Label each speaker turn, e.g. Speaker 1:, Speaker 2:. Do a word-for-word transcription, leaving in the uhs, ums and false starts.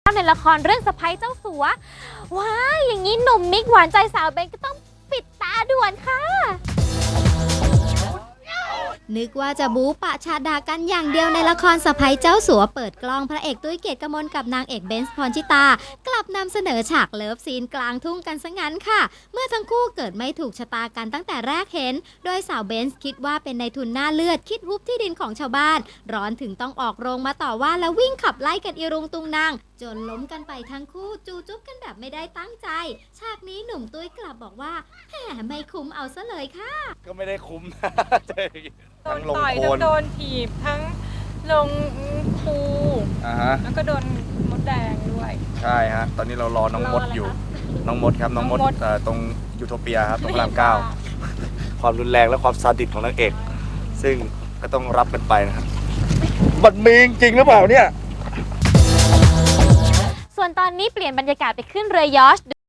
Speaker 1: ในละครเรื่องสะใภ้เจ้าสัวว้ายอย่างนี้หนุ่มมิกหวานใจสาวเบนก็ต้องปิดตาด่วนค่ะ
Speaker 2: นึกว่าจะบู๊ปะชาดากันอย่างเดียวในละครสะใภ้เจ้าสัวเปิดกล้องพระเอกตุ้ยเกียรติกมลกับนางเอกเบนซ์พรชิตากลับนำเสนอฉากเลิฟซีนกลางทุ่งกันซะงั้นค่ะเมื่อทั้งคู่เกิดไม่ถูกชะตากันตั้งแต่แรกเห็นโดยสาวเบนซ์คิดว่าเป็นนายทุนหน้าเลือดคิดฮุบที่ดินของชาวบ้านร้อนถึงต้องออกโรงมาต่อว่าแล้ววิ่งขับไล่กันอีรุงตุงนางจนล้มกันไปทั้งคู่จูจุ๊บกันแบบไม่ได้ตั้งใจฉากนี้หนุ่มตุ้ยกลับบอกว่าแหมไม่คุ้มเอาซะเลยค่ะ
Speaker 3: ก็ไม่ได้คุ้ม
Speaker 4: โดนต่อยทั้งโดนถีบทั้งลงคู
Speaker 3: อ่าฮะ
Speaker 4: แล้วก็โดนมดแดงด้วย
Speaker 3: ใช่ฮะ ตอนนี้เรารอน้องมดอยู่ น้องมดครับ น้องมด
Speaker 4: น้องมด
Speaker 3: เอ่อตรงยูโทเปียครับ ตรงพระรามเก้า ความรุนแรงและความซาดิสของนางเอก ซึ่งก็ต้องรับกันไปนะครับมันมีจริงหรือเปล่าเนี่ย
Speaker 1: ส่วนตอนนี้เปลี่ยนบรรยากาศไปขึ้นเรือยอชต์